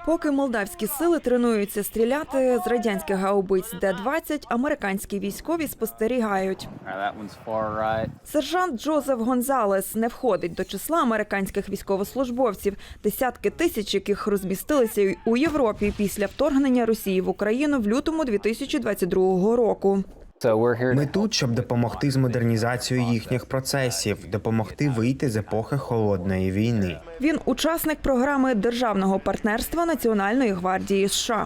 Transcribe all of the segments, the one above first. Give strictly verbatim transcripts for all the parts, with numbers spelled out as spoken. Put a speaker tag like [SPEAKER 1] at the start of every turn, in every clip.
[SPEAKER 1] Поки молдавські сили тренуються стріляти з радянських гаубиць Д двадцять, американські військові спостерігають. Сержант Джозеф Гонзалес не входить до числа американських військовослужбовців, десятки тисяч яких розмістилися у Європі після вторгнення Росії в Україну в лютому дві тисячі двадцять другого року.
[SPEAKER 2] Ми тут, щоб допомогти з модернізацією їхніх процесів, допомогти вийти з епохи холодної війни.
[SPEAKER 1] Він учасник програми державного партнерства Національної гвардії США.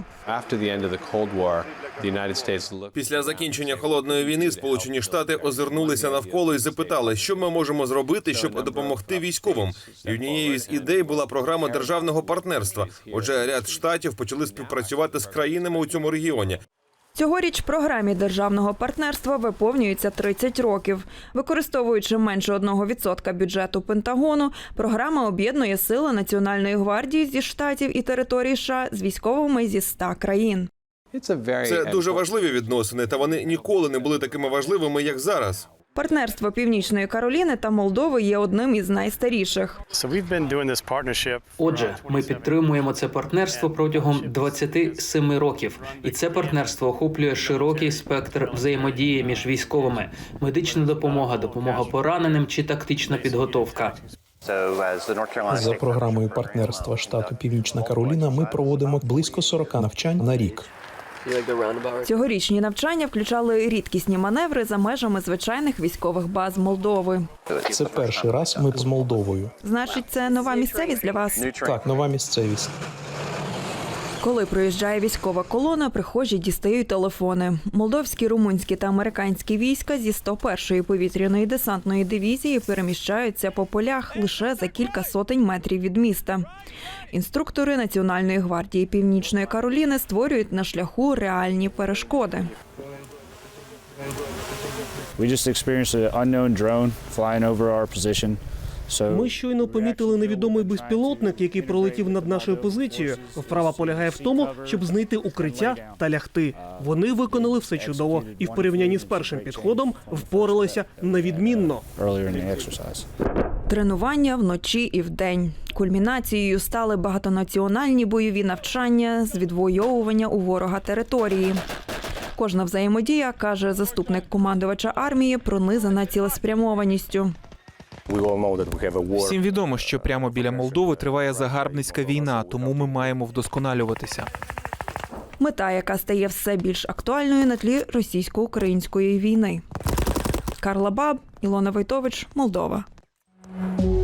[SPEAKER 3] Після закінчення холодної війни Сполучені Штати озирнулися навколо і запитали, що ми можемо зробити, щоб допомогти військовим. І однією з ідей була програма державного партнерства. Отже, ряд штатів почали співпрацювати з країнами у цьому регіоні.
[SPEAKER 1] Цьогоріч програмі державного партнерства виповнюється тридцять років. Використовуючи менше одного відсотка бюджету Пентагону, програма об'єднує сили Національної гвардії зі штатів і територій США з військовими зі ста країн.
[SPEAKER 3] Це дуже важливі відносини, та вони ніколи не були такими важливими, як зараз.
[SPEAKER 1] Партнерство Північної Кароліни та Молдови є одним із найстаріших.
[SPEAKER 4] Отже, ми підтримуємо це партнерство протягом двадцяти семи років. І це партнерство охоплює широкий спектр взаємодії між військовими. Медична допомога, допомога пораненим чи тактична підготовка.
[SPEAKER 5] За програмою партнерства штату Північна Кароліна ми проводимо близько сорока навчань на рік.
[SPEAKER 1] Цьогорічні навчання включали рідкісні маневри за межами звичайних військових баз Молдови.
[SPEAKER 5] Це перший раз ми з Молдовою.
[SPEAKER 1] Значить, це нова місцевість для вас?
[SPEAKER 5] Так, нова місцевість.
[SPEAKER 1] Коли проїжджає військова колона, прихожі дістають телефони. Молдовські, румунські та американські війська зі сто першої повітряної десантної дивізії переміщаються по полях лише за кілька сотень метрів від міста. Інструктори Національної гвардії Північної Кароліни створюють на шляху реальні перешкоди.
[SPEAKER 6] We just experienced an unknown drone flying over our position.
[SPEAKER 7] Ми щойно помітили невідомий безпілотник, який пролетів над нашою позицією. Вправа полягає в тому, щоб знайти укриття та лягти. Вони виконали все чудово і в порівнянні з першим підходом впоралися невідмінно.
[SPEAKER 1] Тренування вночі і вдень. Кульмінацією стали багатонаціональні бойові навчання з відвоювання у ворога території. Кожна взаємодія, каже заступник командувача армії, пронизана цілеспрямованістю.
[SPEAKER 8] Всім відомо, що прямо біля Молдови триває загарбницька війна, тому ми маємо вдосконалюватися.
[SPEAKER 1] Мета, яка стає все більш актуальною на тлі російсько-української війни. Карла Баб, Ілона Войтович, Молдова.